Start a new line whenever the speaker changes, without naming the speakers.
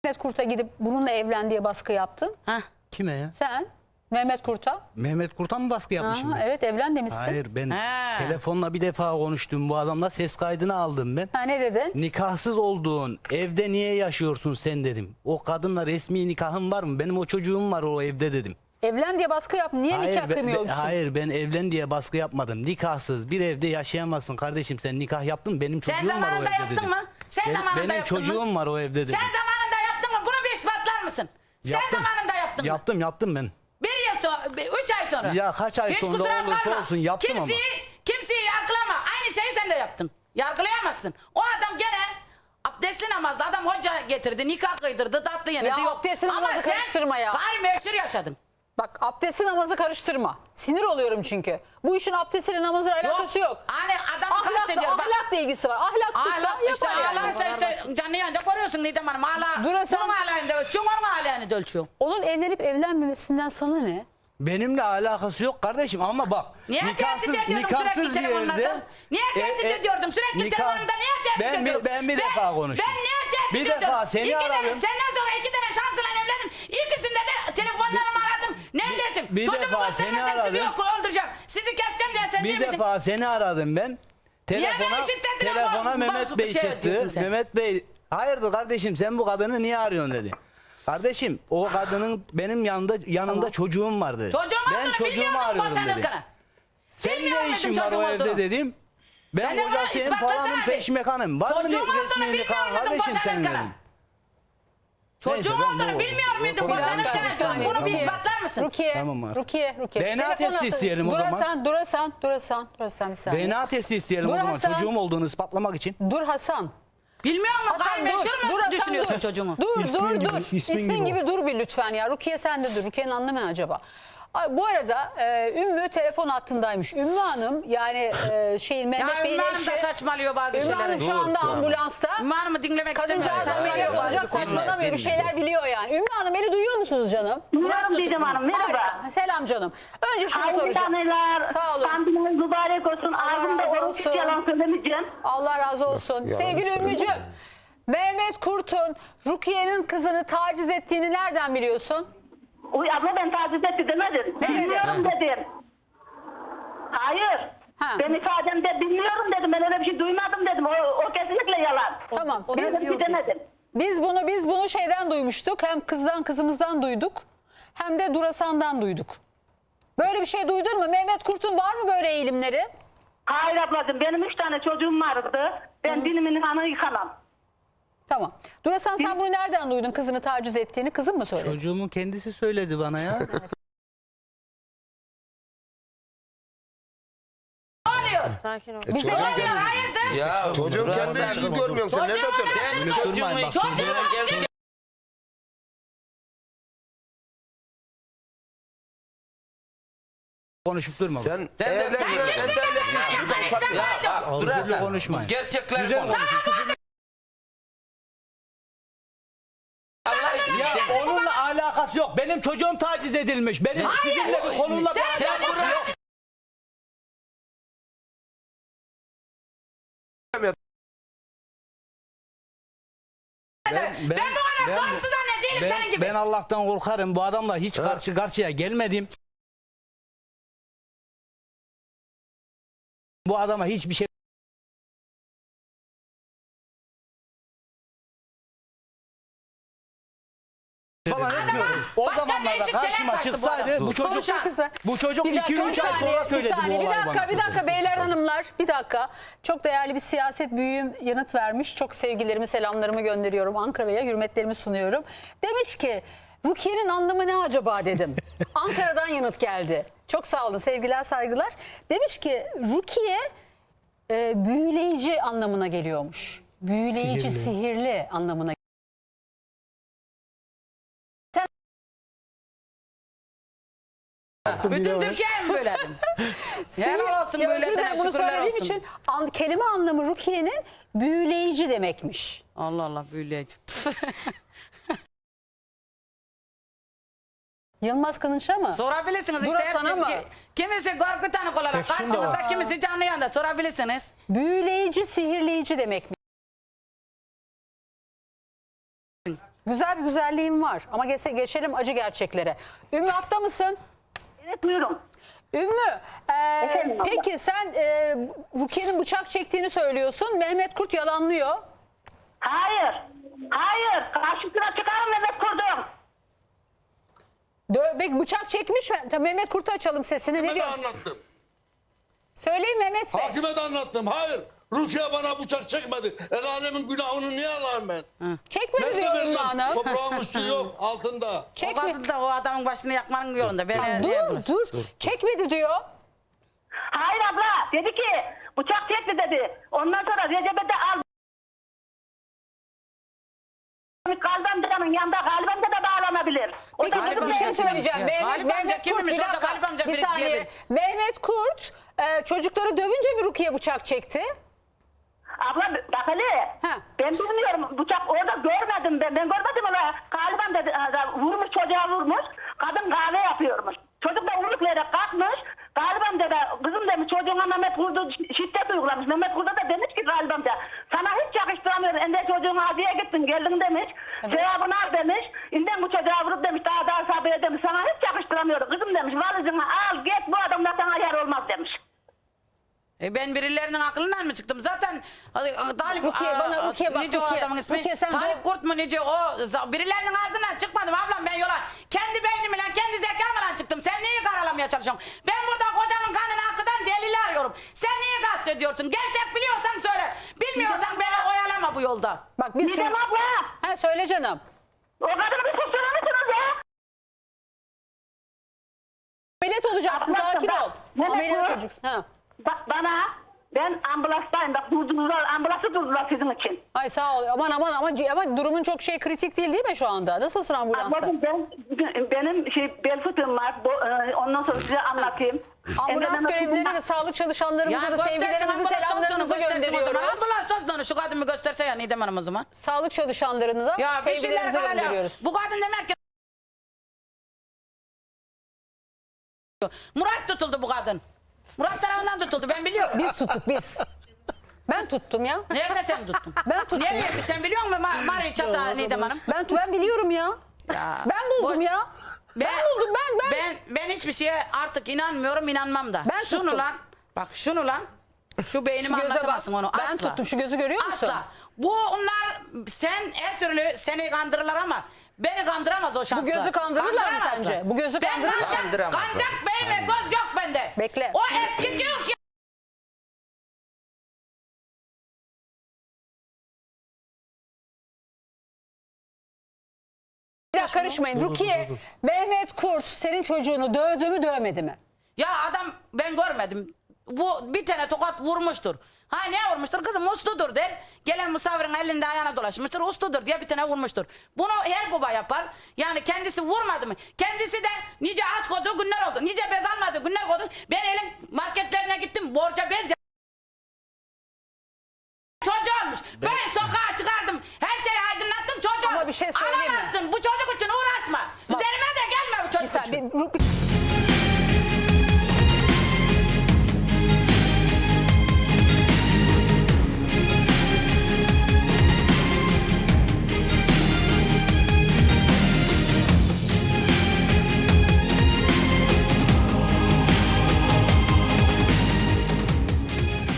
Mehmet Kurt'a gidip bununla evlen diye baskı yaptın.
Hah.
Kime ya?
Sen Mehmet Kurt'a.
Mehmet Kurt'a mı baskı yapmışım ben?
Evet, evlen demişsin.
Hayır, ben
Ha.
telefonla bir defa konuştum bu adamla, ses kaydını aldım ben.
Ha, ne dedin?
Nikahsız olduğun evde niye yaşıyorsun sen dedim. O kadınla resmi nikahın var mı? Benim o çocuğum var o evde dedim.
Evlen diye baskı yap. Niye nikah kıymıyor musun?
Hayır, ben evlen diye baskı yapmadım. Nikahsız bir evde yaşayamazsın kardeşim, sen nikah yaptın, benim çocuğum
Sen
var o
zamanında
evde
yaptın
dedim.
mı? Sen zamanında
Benim
yaptın
çocuğum
mı?
var o evde dedim.
Sen zamanında yaptın mı? Bunu bir ispatlar mısın?
Yaptım.
Sen zamanında yaptın mı?
Yaptım ben.
1 yıl sonra, 3 ay sonra.
Ya kaç ay
Hiç
sonra
kusura
olursa
bakma.
olsun yaptım ama.
Kimseyi yargılama. Aynı şeyi sen de yaptın. Yargılayamazsın. O adam gene abdestli namazda adam hoca getirdi, nikah kıydırdı, tatlı yenildi.
Ya
yok.
abdestli
Ama
namazı karıştırma ya.
Gayri meşhur yaşadın.
Bak, abdesti namazı karıştırma. Sinir oluyorum çünkü. Bu işin abdestiyle namazla alakası yok.
Hani adam kastediyor. Bak,
Ahlakla ilgisi var. Ahlaksızsa
Ahlak, işte
yapar yani.
ağlarsa işte canlı yayında koruyorsun Didem Hanım.
Dur sen-
Bunun ağlayında ölçüyorsun, onun ağlayında ölçüyorsun.
Onun evlenip evlenmemesinden sana ne?
Benimle alakası yok kardeşim ama bak.
Niye tehdit ediyordum sürekli telefonlarda? Niye tehdit ediyordum sürekli telefonlarda? Niye tehdit ediyordum?
Ben bir defa konuştum.
Ben niye tehdit
Bir
ediyordum?
defa seni aradım.
Senden sonra 2 tane şansla evlendim. İkisinde de telefonlarımı aradım. Neredesin?
bir
Çocuğumu
defa seni
göstermezsem sizi
aradım.
yok öldüreceğim. Sizi keseceğim diye sen değil
Bir
miydin?
defa seni aradım ben.
beni şiddetle
Telefona Mehmet
bozuk
Bey
bir şey
çıktı.
diyorsun sen?
Mehmet Bey, hayırdır kardeşim sen bu kadını niye arıyorsun dedi. Kardeşim o kadının benim yanında çocuğum vardı.
Çocuğum
Ben
olduğunu
çocuğumu
bilmiyordum
arıyorum dedi.
boşanırken.
Sen
Bilmiyor
ne
muydun
işin var
çocuğum
o evde
olduğunu?
dedim. Ben
Ben de bunu
kocasıyım
ispatlasana
falanın
bir.
peşmekanım. Var mı
Çocuğum olduğunu
resmi
bilmiyor
nikahın
muydun
kardeşim senin
boşanırken?
dedim.
Çocuğum
Neyse, ben
olduğunu
bu-
bilmiyor muydun
bu-
boşanırken?
Bir saniye,
Bunu bir
Rukiye.
ispatlar mısın?
Rukiye,
Tamam abi.
Rukiye.
DNA
Telefon
testi
atın.
isteyelim o zaman.
Durasan bir saniye.
DNA testi isteyelim
Dur
o zaman
Hasan.
çocuğum olduğunu ispatlamak için.
Dur Hasan.
Bilmiyor musun?
Hasan
Gayrimeşhur mu
Hasan,
düşünüyorsun çocuğumu?
Dur
İsmin
dur
gibi,
dur.
ismin
İsmin
gibi
gibi dur bir lütfen ya. Rukiye sen de dur. Rukiye'nin anlamı ne acaba? Ay, bu arada Ümmü telefon hattındaymış. Ümmü Hanım yani Mehmet
Ya
Bey'in
Ümmü Hanım da
eşi.
saçmalıyor bazı
Ümmü
şeyleri.
Hanım şu anda ambulansta.
Ümmü Hanım'ı dinlemek istemiyorum.
Kadıncağız
Saçmalıyor
ameliyat
bazı
olacak,
konuları.
saçmalamıyor, bir şeyler biliyor yani. Ümmü Hanım, beni duyuyor musunuz canım?
Duyuyorum Didem Hanım, merhaba.
Harika. Selam canım. Önce şunu
Hayırlı
soracağım.
anneler,
Sağ olun.
kandiliniz mübarek olsun.
Allah
Ağzımda
razı
oruç hiç
olsun.
yalan söylemeyeceğim.
Allah razı olsun. Sevgili Ümmücüğüm, Mehmet Kurt'un Rukiye'nin kızını taciz ettiğini nereden biliyorsun?
Uy abla ben taciz etti demedim.
Ne dedin?
Bilmiyorum dedim. Hayır.
Ha.
Ben ifademde bilmiyorum dedim. Ben öyle bir şey duymadım dedim. O kesinlikle yalan.
Tamam.
Ben öyle bir şey demedim.
Biz bunu şeyden duymuştuk. Hem kızımızdan duyduk. Hem de Durasan'dan duyduk. Böyle bir şey duydun mu? Mehmet Kurt'un var mı böyle eğilimleri?
Hayır ablacığım benim 3 tane çocuğum vardı. Ben dinimin hanı yıkamam.
Tamam. Durasan sen bunu nereden duydun, kızını taciz ettiğini? Kızın mı söyledi?
Çocuğumun kendisi söyledi bana ya.
Sakin ol.
Bize
Oluyor hayırdır?
Ya
Çocuğun kendi ilgini görmüyorsun. Sen nereden söylüyorsun?
Sen çocuğumu
bak,
Çocuğumu
Konuşup durma. bak.
Sen
Sen de-
evlenmiyorsun.
Sen
Ben de evlenmiyorum.
Ya bak
Ağzıyla
Durasan,
konuşmayın.
gerçekler
Güzel
konuş. Allah için.
Ya onunla alakası yok. Benim çocuğum taciz edilmiş. Benim sizinle bir konuyla bir
Sen
alakası
burada
yok.
Ben bu kadar sorumsuz anne değilim senin gibi.
Ben Allah'tan korkarım. Bu adamla hiç karşı karşıya gelmedim. Bu adama hiçbir şey falan etmiyorum. O
başka
zamanlarda
değişik şeyler
karşıma
saçtı bu
çıksaydı
adam.
bu çocuk
Konuşan.
bu çocuk
Bir dakika,
2-3 ay sonra söyledi bu olayı bana.
Bir dakika beyler hanımlar, bir dakika. Çok değerli bir siyaset büyüğüm yanıt vermiş. Çok sevgilerimi, selamlarımı gönderiyorum Ankara'ya, hürmetlerimi sunuyorum. Demiş ki Rukiye'nin anlamı ne acaba dedim. Ankara'dan yanıt geldi. Çok sağ olun, sevgiler, saygılar. Demiş ki Rukiye büyüleyici anlamına geliyormuş. Büyüleyici, sihirli anlamına.
Bütün Türkiye'ye mi böyledim? Helal olsun
Ya
böyle
özür dilerim,
dene
bunu
şükürler
söylediğim
olsun.
için kelime anlamı Rukiye'nin büyüleyici demekmiş.
Allah Allah büyüleyici.
Yılmaz Kılınç'a mı?
Sorabilirsiniz işte.
Durasan'a mı?
Kimisi korkutanık olarak
Efsun da
karşınızda,
var.
kimisi canlı yanda sorabilirsiniz.
Büyüleyici, sihirleyici demekmiş. Güzel bir güzelliğin var ama geçelim acı gerçeklere. Ümmü hatta mısın?
Evet buyurun.
Ümmü,
Efendim abla.
peki sen Rukiye'nin bıçak çektiğini söylüyorsun. Mehmet Kurt yalanlıyor.
Hayır. Hayır. Karşısına çıkarım Mehmet Kurdum.
Peki bıçak çekmiş mi? Tabii Mehmet Kurt'u açalım sesini. Ne
Hakime de
diyor?
anlattım.
Söyleyin Mehmet Bey.
Hakime de anlattım. Hayır. Rukiye bana bıçak çekmedi. El alemin günahını niye alayım ben?
Çekmedi
Nerede
diyor
benim?
Ümmü Hanım.
Toprağın üstü yok. Altında.
O
Çekme.
kadın da o adamın başını yakmanın yolunda. Beni
Dur. Çekmedi diyor.
Hayır abla. Dedi ki bıçak çekti dedi. Ondan sonra Recep'e de al. Galip amcanın yanında Galip amca da bağlanabilir. O
Peki
da
Galip
bir şey
amca
söyleyeceğim.
kimmiş ya? Galip amca
Kurt,
kimmiş?
bir
Orada
dakika,
Galip amca
bir
biri
saniye.
diyebilir.
Mehmet Kurt çocukları dövünce mi Rukiye bıçak çekti?
Abla bak hele.
Ha.
Ben bilmiyorum bıçak orada görmedim ben. Ben görmedim öyle. Galip amca vurmuş çocuğa vurmuş. Kadın kahve yapıyormuş. Çocuk da uyuklayarak kalkmış. Galip amca da kızım demiş çocuğuna Mehmet Kurt'u şiddet uygulamış. Mehmet Kurt'a da demiş ki Galip amca sana hiç yakıştıramıyorum. Ende çocuğuna hadiye gittin geldin demiş. Cevabını al demiş. İnden bu çocuğa vurup demiş daha sabır demiş. Sana hiç yakıştıramıyorum. Kızım demiş valizini al git bu adamla sana yer olmaz demiş.
Ben birilerinin aklından mı çıktım? Zaten Talip
Rukiye, bana Rukiye bak,
nice o
Rukiye.
adamın ismi?
Rukiye, sen
Talip Kurt mu nice o? Birilerinin ağzından çıkmadım ablam ben yola. Kendi beynimle kendi zekamla çıktım. Sen neyi karalamaya çalışıyorsun? Ben burada kocamın kanını hakkından delili arıyorum. Sen niye kastediyorsun? Gerçek biliyorsan söyle. Bilmiyorsan beni oyalama bu yolda.
Bak biz
Nidem abla.
Ha, söyle canım.
O kadını bir susturur musunuz ya?
Ameliyat olacaksın,
Abla,
sakin
bak,
ol.
Mehmet
Ameliyat
Kurt.
olacaksın. Ha.
Bak bana ben ambulanstayım. Bak durdular ambulansı durdular sizin için.
Ay sağ ol. Aman ama durumun çok kritik değil mi şu anda? Nasılsın ambulansta?
Bakın benim bel fıtığım var. Ondan sonra size anlatayım.
Ambulans görevlilerine ve sağlık çalışanlarımıza da sevgilerimizi, selamlarımızı gönderiyoruz.
Ambulans dostlarını şu kadını gösterse ya Nidem Hanım o zaman.
Sağlık çalışanlarını da
Ya bir şeyler
sevgilerimizi
kararlı.
gönderiyoruz.
Bu kadın demek ki Murat tutuldu bu kadın. Murat tarafından tutuldu ben biliyorum.
Biz tuttuk biz. Ben tuttum ya.
Nerede sen tuttun?
Ben tuttum.
Nereye sen biliyor musun Mari Çata Nidem Hanım?
Ben biliyorum ya.
Ya,
Ben buldum
bu-
ya. Ben buldum ben.
Ben hiçbir şeye artık inanmıyorum inanmam da.
Ben
şunu
tuttum.
lan bak şunu lan şu beynimi
Şu göze
anlatamazsın
bak.
onu asla.
Ben tuttum, şu gözü görüyor musun?
Asla. Bu onlar sen her türlü seni kandırırlar ama beni kandıramaz o şansla.
gözü kandırırlar mı
Kandıramazlar.
sence? Bu gözü kandırırlar mı?
Kandıramaz o.
Kancak bey ve göz yok bende.
Bekle.
O eski diyor ki
Bir dakika karışmayın. Rukiye, Mehmet Kurt senin çocuğunu dövdü mü dövmedi mi?
ya adam ben görmedim. Bu bir tane tokat vurmuştur. Ha ne vurmuştur? Kızım usludur der. Gelen misafirin elinde ayağına dolaşmıştır. Usludur diye bir tane vurmuştur. Bunu her baba yapar. Yani kendisi vurmadı mı? Kendisi de nice aç koyduğu günler oldu. Nice bez almadığı günler oldu. Ben elin marketlerine gittim. Borca bez çocuğu olmuş. Ben sokağa çıkardım. Her şeyi aydınlattım çocuğu.
Ama bir şey söyleyeyim mi?
Alamazsın. Bu çocuk için uğraşma. Üzerime de gelme bu
Bir
çocuk için.
saniye.